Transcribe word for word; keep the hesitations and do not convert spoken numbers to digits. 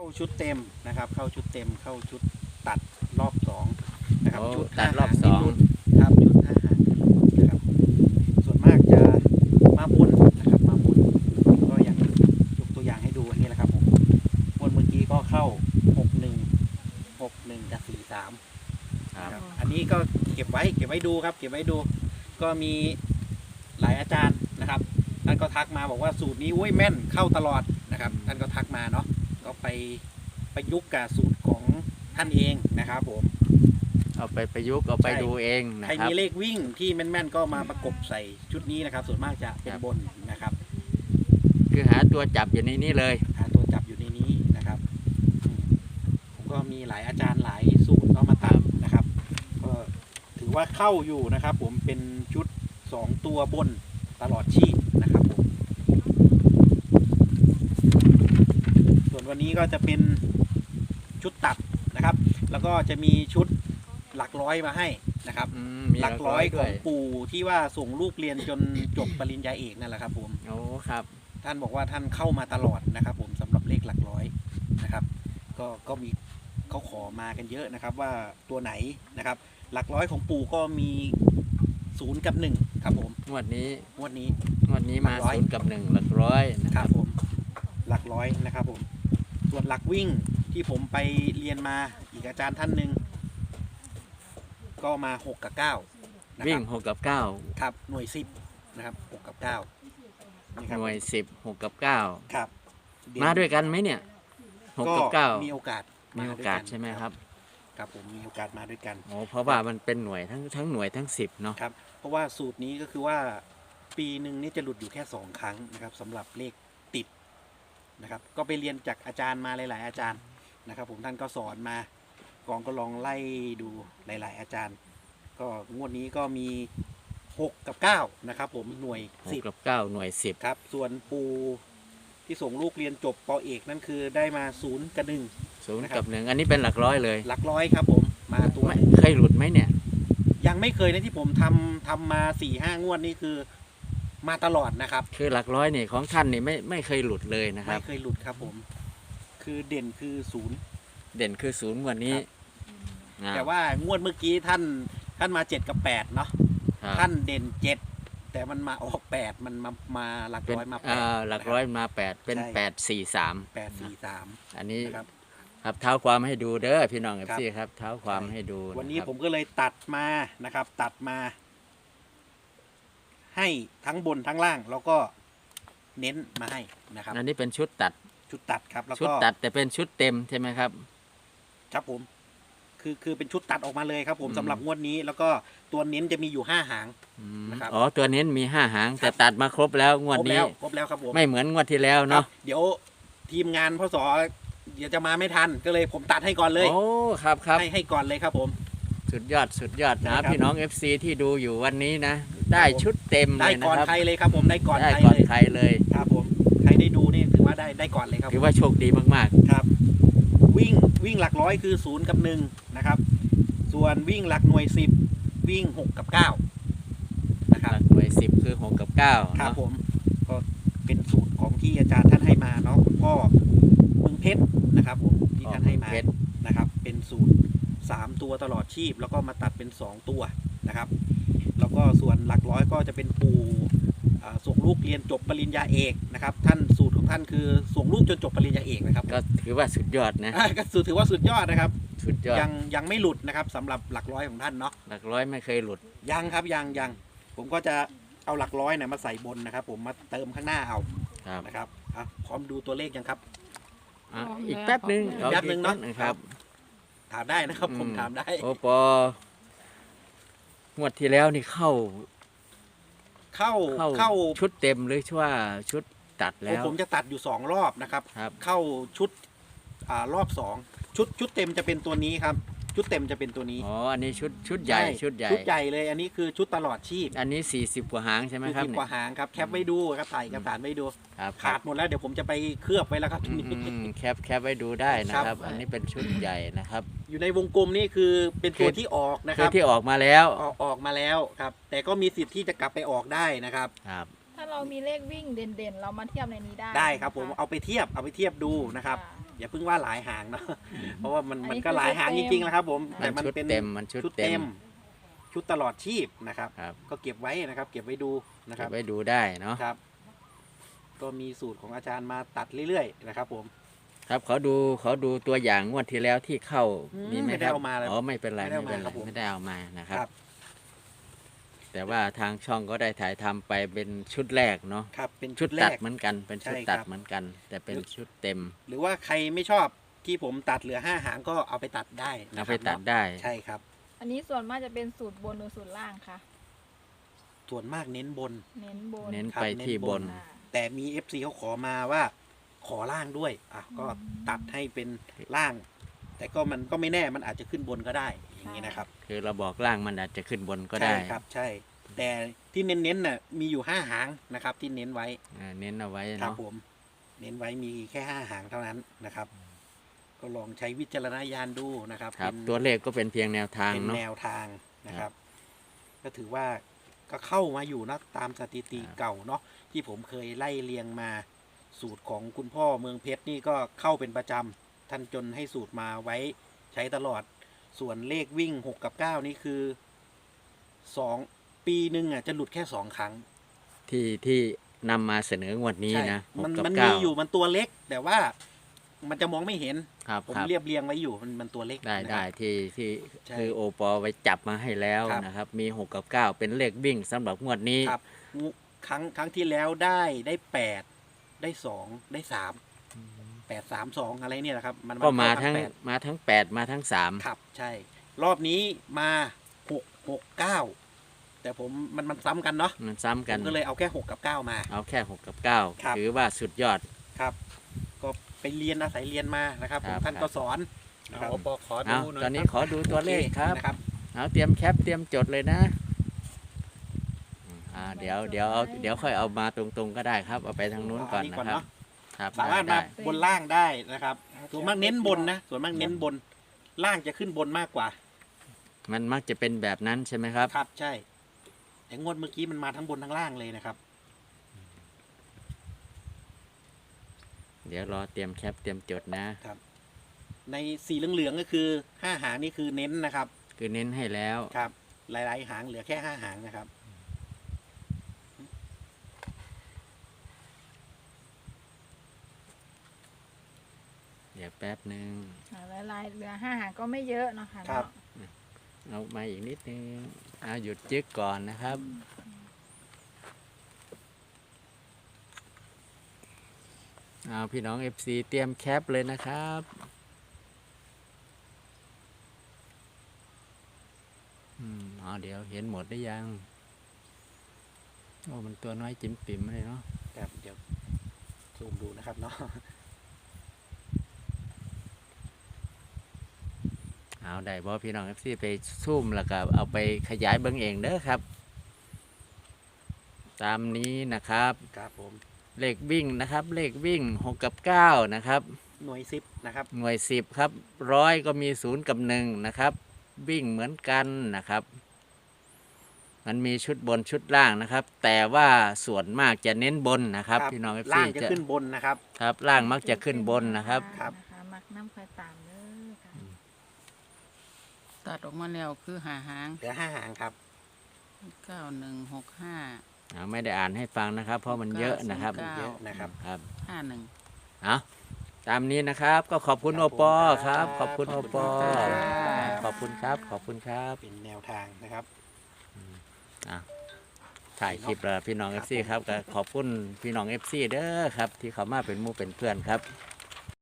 ชุดเต็มนะครับเข้าชุดเต็มเข้าชุดตัดรอบสองนะครับชุดตัดรอบสองครับชุดห้าหางนะครับส่วนมากจะมาบนนะครับมาบนก็อย่างยกตัวอย่างให้ดูอันนี้แหละครับผมบนเมื่อกี้ก็เข้าหกหนึ่งหกหนึ่งกับสี่สามครับอันนี้ก็เก็บไว้เก็บไว้ดูครับเก็บไว้ดูก็มีหลายอาจารย์นะครับท่านก็ทักมาบอกว่าสูตรนี้โอ้ยแม่นเข้าตลอดนะครับท่านก็ทักมาเนาะก็ไปประยุกต์กับสูตรของท่านเองนะครับผมเอาไปประยุกต์เอาไปดูเองนะใครครับมีเลขวิ่งที่แม่นๆก็มาประกบใส่ชุดนี้นะครับส่วนมากจะเป็นบนนะครับคือหาตัวจับอยู่ในนี้เลยหาตัวจับอยู่ในนี้นะครับผมก็มีหลายอาจารย์หลายสูตรก็มาตามนะครับก็ถือว่าเข้าอยู่นะครับผมเป็นชุดสองตัวบนตลอดชีพนะครับผมส่วนวันนี้ก็จะเป็นชุดตัดนะครับแล้วก็จะมีชุดหลักร้อยมาให้นะครับหลักร้อยของปู่ที่ว่าส่งลูกเรียนจนจบปริญญาเอกนั่นแหละครับผมโอ้ครับท่านบอกว่าท่านเข้ามาตลอดนะครับผมสำหรับเลขหลักร้อยนะครับก็ก็มีเขาขอมากันเยอะนะครับว่าตัวไหนนะครับหลักร้อยของปู่ก็มีศูนย์กับหนึ่งครับผมงวดนี้งวดนี้งวดนี้มาศูนย์กับหนึ่งหลักร้อยนะครับผมหลักร้อยนะครับผมส่วนหลักวิ่งที่ผมไปเรียนมาอีกอาจารย์ท่านหนึ่งก็มาหกกับเก้าวิ่งหกกับเก้าครับหน่วยสิบนะครับหกกับเก้าหน่วยสิบหกกับเก้าครับมาด้วยกันไหมเนี่ยหกกับเก้ามีโอกาสมีโอกาสใช่ไหมครับครับผมมีโอกาสมาด้วยกันโอ้เพราะว่ามันเป็นหน่วยทั้งทั้งหน่วยทั้งสิบเนาะครับเพราะว่าสูตรนี้ก็คือว่าปีหนึ่งนี่จะหลุดอยู่แค่สองครั้งนะครับสำหรับเลขติดนะครับก็ไปเรียนจากอาจารย์มาหลายๆอาจารย์นะครับผมท่านก็สอนมากองก็ลองไล่ดูหลายๆอาจารย์ก็งวดนี้ก็มีหกกับเก้านะครับผมหน่วยสิบกับเก้าหน่วยสิบครับส่วนปูที่ส่งลูกเรียนจบป.เอกนั่นคือได้มาศูนย์กับหนึ่งศูนย์กับหนึ่งอันนี้เป็นหลักร้อยเลยหลักร้อยครับผมมาตัวเคยหลุดไหมเนี่ยยังไม่เคยนะที่ผมทำทำมาสี่ห้างวดนี่คือมาตลอดนะครับคือหลักร้อยนี่ของท่านนี่ไม่ไม่เคยหลุดเลยนะครับไม่เคยหลุดครับผมคือเด่นคือศูนย์เด่นคือศูนย์งวดนี้แต่ว่างวดเมื่อกี้ท่านท่านมาเจ็ดกับแปดเนาะท่านเด่นเจ็ดแต่มันมาออกแปดมันมามาหลักร้อยมาแปดหลักร้อยมาแปดเป็นแปดสี่สามแปดสี่สามอันนี้ครับเท้าความให้ดูเด้อพี่น้องครับพี่ครับเท้าความให้ดูวันนี้ผมก็เลยตัดมานะครับตัดมาให้ทั้งบนทั้งล่างแล้วก็เน้นมาให้นะครับอันนี้เป็นชุดตัดชุดตัดครับแล้วก็ชุดตัดแต่เป็นชุดเต็มใช่ไหมครับครับผมคือคือเป็นชุดตัดออกมาเลยครับผมสำหรับงวดนี้แล้วก็ตัวเน้นจะมีอยู่ห้าหางนะครับอ๋อตัวเน้นมีห้าหางแต่ตัดมาครบแล้วงวดนี้ครบแล้วครับผมไม่เหมือนงวดที่แล้วเนาะเดี๋ยวทีมงานพศเดี๋ยวจะมาไม่ทันก็เลยผมตัดให้ก่อนเลยโอ้ครับครับให้ให้ก่อนเลยครับผมสุดยอดสุดยอดนะพี่น้อง เอฟ ซี ที่ดูอยู่วันนี้นะได้ชุดเต็มเลยนะครับได้ก่อนใครเลยครับผมได้ก่อนใครเลยใครเลยครับผมใครได้ดูนี่ถือว่าได้ได้ก่อนเลยครับถือว่าโชคดีมากๆครับวิ่งวิ่งหลักร้อยคือศูนย์กับหนึ่งนะครับส่วนวิ่งหลักหน่วยสิบวิ่งหกกับเก้านะครับหน่วยสิบคือหกกับเก้าครับผมก็เป็นสูตรของที่อาจารย์ท่านให้มาเนาะคุณพ่อมึงเพชรนะครับผมที่ท่านให้มานะครับเป็นสูตรสามตัวตลอดชีพแล้วก็มาตัดเป็นสองตัวนะครับแล้วก็ส่วนหลักร้อยก็จะเป็นปูส่งลูกเรียนจบปริญญาเอกนะครับท่านสูตรของท่านคือส่งลูกจนจบปริญญาเอกนะครับก็ถือว่าสุดยอดนะก็สูตรถือว่าสุดยอดนะครับสุดยอดยังยังไม่หลุดนะครับสำหรับหลักร้อยของท่านเนาะหลักร้อยไม่เคยหลุดยังครับยังยังผมก็จะเอาหลักร้อยเนี่ยมาใส่บนนะครับผมมาเติมข้างหน้าเอานะครับพร้อมดูตัวเลขยังครับอีกแป๊บนึงแป๊บนึงเนาะครับถามได้นะครับผมถามได้โอปองวดที่แล้วนี่เข้าเข้าเข้าชุดเต็มหรือว่าชุดตัดแล้วผมจะตัดอยู่สองรอบนะครับเข้าชุดรอบสองชุดชุดเต็มจะเป็นตัวนี้ครับชุดเต็มจะเป็นตัวนี้อ๋ออันนี้ชุดชุดใหญ่ชุดใหญ่ชุดใหญ่เลยอันนี้คือชุดตลอดชีพอันนี้สี่สิบกว่าหางใช่ไหมครับสี่สิบกว่าหางครับแคปไว้ดูครับถ่ายกระดาษไว้ดูขาดหมดแล้วเดี๋ยวผมจะไปเคลือบไว้แล้วครับแคปแคปไว้ดูได้นะครับอันนี้เป็นชุดใหญ่นะครับอยู่ในวงกลมนี่คือเป็นตัวที่ออกนะครับที่ออกมาแล้วออกออกมาแล้วครับแต่ก็มีสิทธิ์ที่จะกลับไปออกได้นะครับครับถ้าเรามีเลขวิ่งเด่นๆเรามาเทียบในนี้ได้ได้ครับผมเอาไปเทียบเอาไปเทียบดูนะครับอย่าเพิ่งว่าหลายหางเนาะเพราะว่ามันอันนี้มันก็หลายหางจริงๆนะครับผมมัแต่นมันชุดเป็นเต็มมันชุดชุดเต็เต็มมชุดตลอดชีพนะครับครับก็เก็บไว้นะครับ เก็บไว้ดูนะคเก็รับบ ไว้ดูได้เนาะครับ ก็มีสูตรของอาจารย์มาตัดเรื่อยๆนะครับผมครับเขาดูเขาดูตัวอย่างงวดที่แล้วที่เข้าอืมมีไหมไม่คได้รับเอามาเลยอ๋อไม่เป็นไรไม่ได้ไม่เอาเป็นไรมาครับผมไม่ได้เอามานะครับครับแต่ว่าทางช่องก็ได้ถ่ายทำไปเป็นชุดแรกเนาะครับเป็นชุชุดดแรตัดกเหมือนกัน เป็นชุดใช่ตัดครับเหมือนกัน แต่เป็นชุดเต็มหรือว่าใครไม่ชอบที่ผมตัดเหลือห้าหางก็เอาไปตัดได้นะเอาคไปรับตัดเนาะได้ใช่ครับอันนี้ส่วนมากจะเป็นสูตรบนหรือสูตรล่างคะส่วนมากเน้นบนเน้นบนเน้นครับไปที่เน้นบบ นนอ่าแต่มี เอฟ ซี เขาขอมาว่าขอล่างด้วยอ่ะก็ตัดให้เป็นล่าง แต่ก็มันก็ไม่แน่มันอาจจะขึ้นบนก็ได้อย่างนี้นะครับคือเราบอกล่างมันอาจจะขึ้นบนก็ได้ใช่ครับใช่ แต่ที่เน้นๆน่ะมีอยู่ห้าหางนะครับ ที่เน้นไว้อ่าเน้นเอาไว้ครับเนาะผม เน้นไว้มีแค่ห้าหางเท่านั้นนะครับ ก็ลองใช้วิจารณญาณดูนะครับครับเป็นตัวเลขก็เป็นเพียงแนวทางเป็นเนาะแนวทางนะครับ ก็ถือว่าก็เข้ามาอยู่นะตามสถิติครับเก่าเนาะที่ผมเคยไล่เรียงมาสูตรของคุณพ่อเมืองเพชรนี่ก็เข้าเป็นประจำท่านจนให้สูตรมาไว้ใช้ตลอด ส่วนเลขวิ่งหกกับเก้านี่คือสองปีหนึ่งอ่ะจะหลุดแค่สองครั้งที่ที่นำมาเสนองวดนี้ใช่นะหมักนกับมันเก้ามีอยู่มันตัวเล็ก แต่ว่ามันจะมองไม่เห็นครับผมครับเรียบเรียงไว้อยู่มันมันตัวเล็กได้นะครับได้ที่ที่ใช่คือโอปอไว้จับมาให้แล้วครับนะครับ มีหกกับเก้าเป็นเลขวิ่งสำหรับงวดนี้ครับงูครั้งครั้งที่แล้วได้ได้แปดได้สองได้สามแปดสามสองอะไรเนี่ยนะครับ มันก็มาเข้ทั้งแปดมาทั้งแปดมาทั้งสามครับใช่ รอบนี้มาหกหกเก้าแต่ผมมันมันซ้ำกันเนาะมันซ้ำผกันมก็เลยเอาแค่หกกับเก้ามาเอาแค่หกกับเก้าครับถือว่าสุดยอดครับ ก็ไปเรียนอาศัยเรียนมานะครับผมครับท่านก็สอนนะครับเอาปอขอเอาดูหน่อยตอนนี้ครับขอดูตัวเลขครับนะครับเอาเตรียมแคปเตรียมจดเลยนะอืมอ่าเดี๋ยวเดี๋ยวเอาเดี๋ยวค่อยเอามาตรงๆก็ได้ครับ เอาไปทางนู้นก่อนเานะก่อนครับเนาะครับสามารถได้มาได้บนล่างได้นะครับ ส่วนมากเน้นบนนะ ส่วนมากเน้นบน ล่างจะขึ้นบนมากกว่ามันมักจะเป็นแบบนั้นใช่ไหมครับครับ ใช่ แต่งวดเมื่อกี้มันมาทั้งบนทั้งล่างเลยนะครับเดี๋ยวรอเตรียมแคปเตรียมจดนะในสีเหลืองๆก็คือห้าหางนี่คือเน้นนะครับคือเน้นให้แล้วครับ หลายๆหางเหลือแค่ห้าหางนะครับเดี๋ยวแป๊บหนึ่งอ่าลายๆเหลือห้าหางก็ไม่เยอะเนาะค่ะครับเนาะเอามาอีกนิดนึงเอาหยุดจึกก่อนนะครับเอาพี่น้อง เอฟ ซี เตรียมแคปเลยนะครับอืมอ๋อเดี๋ยวเห็นหมดได้ยัง โอ้มันตัวน้อยจิ้มปิ่มเลยเนาะครับ เดี๋ยวซูมดูนะครับเนาะเอาได้บ่พี่น้อง เอฟ ซี ไปซูมแล้วก็เอาไปขยายเบิ่งเองเด้อครับ ตามนี้นะครับครับผมเลขวิ่งนะครับ เลขวิ่งหกกับเก้านะครับหน่วยซิปนะครับหน่วยสิบครับร้อยก็มีศูนย์กับหนึ่งนะครับ วิ่งเหมือนกันนะครับ มันมีชุดบนชุดล่างนะครับ แต่ว่าส่วนมากจะเน้นบนนะครับครับพี่น้อง เอฟ ซีล่างจะขึ้นบนนะครับครับ ล่างมักจะขึ้นบนนะครับครับนะคะมักน้ำคอยตามเด้อค่ะตัดออกมาแล้วคือหาหางเหลือห้าหางครับเก้าหนึ่งหกห้าอ่าไม่ได้อ่านให้ฟังนะครับ เพราะมันเยอะนะครับเก้าเยอะนะครับครับห้าหนึ่งเอาตามนี้นะครับ ก็ขอบคุณคโอรับปอผมครับคขรัอบบคุณขโออบคุณปอครับขอบคุณครับ ขอบคุณครับเป็นแนวทางนะครับถ่ายคลิปแล้วพี่น้อง เอฟ ซี ครับก็ขอบคุณพี่น้อง เอฟ ซี เด้อครับ ที่เขามาเป็นหมู่เป็นเพื่อนครับ